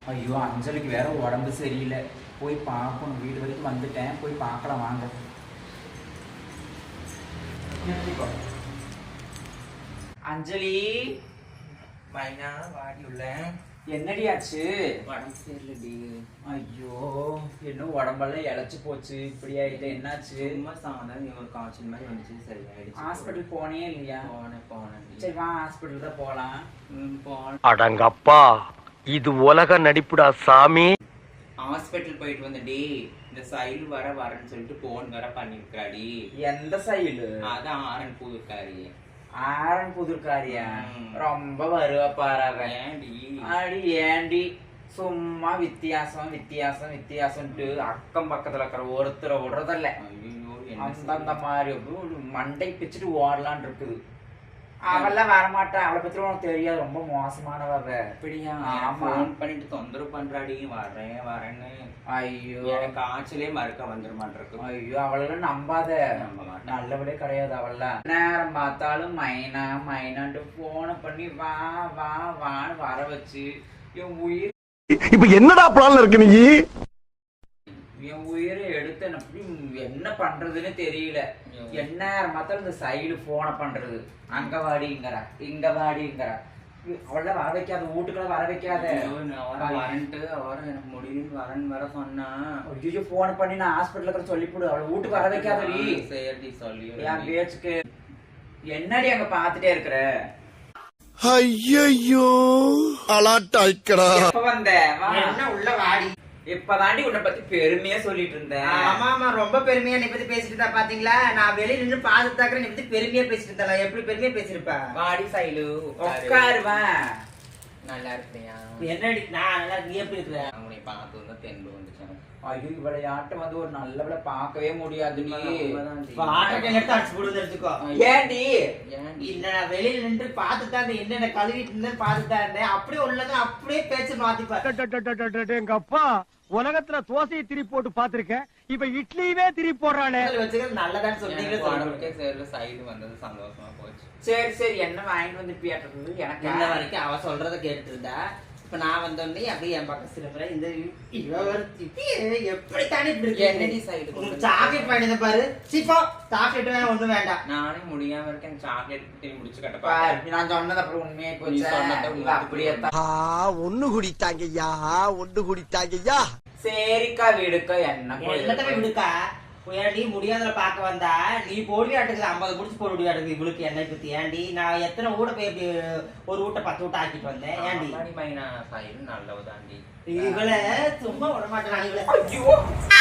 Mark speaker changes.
Speaker 1: ஐயோ அஞ்சலிக்கு வேற உடம்பு சரியில்லை, போய் பார்க்கணும். வீடு வரைக்கும் வந்துட்டேன், போய் பார்க்கலாம் வாங்க. அஞ்சலி
Speaker 2: மைனா வாடி உள்ள.
Speaker 1: என்னடி ஆச்சு?
Speaker 2: உடம்பு சரியில்லடி.
Speaker 1: ஐயோ இன்னும் உடம்பெல்லாம் இழைச்சு போச்சு, இப்படி ஆயிட்டு என்னாச்சு?
Speaker 2: சும்மா சாதாரண ஒரு காய்ச்சல் மாதிரி வந்துச்சு, சரியாயிடுச்சு.
Speaker 1: ஹாஸ்பிட்டல் போனே இல்லையா?
Speaker 2: போனேன்.
Speaker 1: சரி வா ஹாஸ்பிட்டல் தான் போலாம்.
Speaker 2: போன
Speaker 3: அடங்கப்பா, இது உலக நடிப்புடா சாமி.
Speaker 2: ஹாஸ்பிட்டல் போயிட்டு வந்தடி. இந்த சைல் வரேன்னு சொல்லிட்டு போன் வர பண்ணிருக்காடி.
Speaker 1: எந்த சைடு?
Speaker 2: அதான் ஆரன் புதுக்காரி.
Speaker 1: ஆரன் புதுக்காரியா? ரொம்ப வருவாப்பாரு. அடி ஏண்டி சும்மா வித்தியாசம்ட்டு அக்கம் பக்கத்துல இருக்கிற ஒருத்தரை விடுறதில்ல. அந்த மாதிரி மண்டை பிச்சுட்டு ஓடலான் இருக்குது. அவெல்லாம் வரமாட்டா, அவளை பத்தி உனக்கு தெரியாது, ரொம்ப மோசமானவ.
Speaker 2: அப்படியா?
Speaker 1: ஃபோன்
Speaker 2: பண்ணிட்டு தொந்தரவு பண்றாடி, வரேன்னு.
Speaker 1: ஐயோ
Speaker 2: எனக்கு காய்ச்சலே மறுக்க வந்துட மாட்டிருக்கு.
Speaker 1: ஐயோ அவளெல்லாம் நம்பாத, நல்லபடியே கிடையாது. அவள்லாம் நேரம் பார்த்தாலும் மைனான்ட்டு போனை பண்ணி வான்னு வர வச்சு என் உயிர்
Speaker 3: இப்ப என்னடா பிளான்ல இருக்கு நீ?
Speaker 1: என் உயிரை எடுத்து என்ன பண்றதுன்னு தெரியல. என்ன மாத்திரம் இந்த சைடு போனை பண்றது, அங்க வாடிங்கிறா இங்க வாடிங்கிறா. அவள வர வைக்காத, வீட்டுக்குள்ள வர வைக்காத.
Speaker 2: வரன்ட்டு அவரும் எனக்கு முடியும்னு வரேன்னு வர சொன்னா.
Speaker 1: ஐயோ போன் பண்ணி நான் ஹாஸ்பிட்டல் இருக்கிற சொல்லிவிடு, அவளை வீட்டுக்கு வர வைக்காதடி.
Speaker 2: சரி சொல்லி
Speaker 1: என் பேச்சுக்கு என்னடி அங்க பாத்துட்டே இருக்கிற?
Speaker 3: ஐயோ அலாட்டாய்க்கடா.
Speaker 1: எப்ப வந்த?
Speaker 2: என்ன உள்ள வாடி.
Speaker 1: இப்பதாண்டி உன்னை பத்தி பெருமையா சொல்லிட்டு இருந்தேன்.
Speaker 2: ஆமா ரொம்ப பெருமையா நீ பத்தி பேசிட்டு இருந்தா பாத்தீங்களா? நான் வெளியில நின்று பாத்துட்டாக்குற, நீ பத்தி பெருமையா பேசிட்டு இருந்தா. எப்படி பெருமையா பேசிருப்ப?
Speaker 1: வாடி சைலு உட்காருவேன்.
Speaker 2: நல்லா இருப்பியா?
Speaker 1: என்னடி நான் நல்லா, நீ எப்படி இருக்கிற?
Speaker 2: உன்னை பார்த்து வந்து தென்பு வந்துச்சு.
Speaker 1: ஐயோ விளையாட்டு வந்து ஒரு நல்ல பார்க்கவே முடியாது. நீ ஏண்டி
Speaker 4: இல்ல நான் வெளியில நின்று பாத்துதான் என்னென்ன கழுவிட்டு இருந்தேன் பாத்துதான் இருந்தேன். அப்படியே உள்ளத அப்படியே பேச்சு மாத்திப்பாரு.
Speaker 3: எங்க அப்பா உலகத்துல தோசையை திருப்பி போட்டு பாத்திருக்கேன், இப்ப இட்லியுமே திருப்பி போடுறானே.
Speaker 4: வச்சுக்கிறது நல்லதான்னு
Speaker 2: சொன்னீங்க. சைடு வந்தது சந்தோஷமா போச்சு.
Speaker 1: சரி என்ன வாங்கிட்டு வந்து பியாட்டுறது எனக்கு
Speaker 4: இன்ன வரைக்கும் அவ சொல்றத கேட்டு இருந்தா. இப்ப நான் வந்தோடனே அப்படியே என் பக்கம் சிறப்புற இந்த எப்படி தானே
Speaker 2: என்னடி சைடு
Speaker 4: சாக்லேட் வாங்கினத பாரு. சீப்பா சாக்லேட் வேணா ஒண்ணும் வேண்டாம்.
Speaker 2: நானே முடியாம இருக்கேன், சாக்லேட் முடிச்சு கட்டப்பா.
Speaker 1: நான் சொன்னது அப்புறம் உண்மையே போச்சு. அப்படியே
Speaker 3: ஒண்ணு குடித்தாங்கய்யா,
Speaker 1: சரிக்கா விடுக்கா. என்ன
Speaker 4: எல்லாத்தையுமே விடுக்கா. ஏன்டி முடியாத பாக்க வந்தா நீ போடுவியாட்டுக்குது 50 முடிச்சு போடுவியாட்டுக்கு. இவளுக்கு என்னை பத்தி ஏன்டி? நான் எத்தனை ஊட போய் இப்படி ஒரு ஊட்ட 10 ஊட்ட ஆக்கிட்டு வந்தேன். ஏன்டி
Speaker 2: மைனா சைடு நல்லவுதாண்டி.
Speaker 4: இவளை சும்மா விட மாட்டேன்.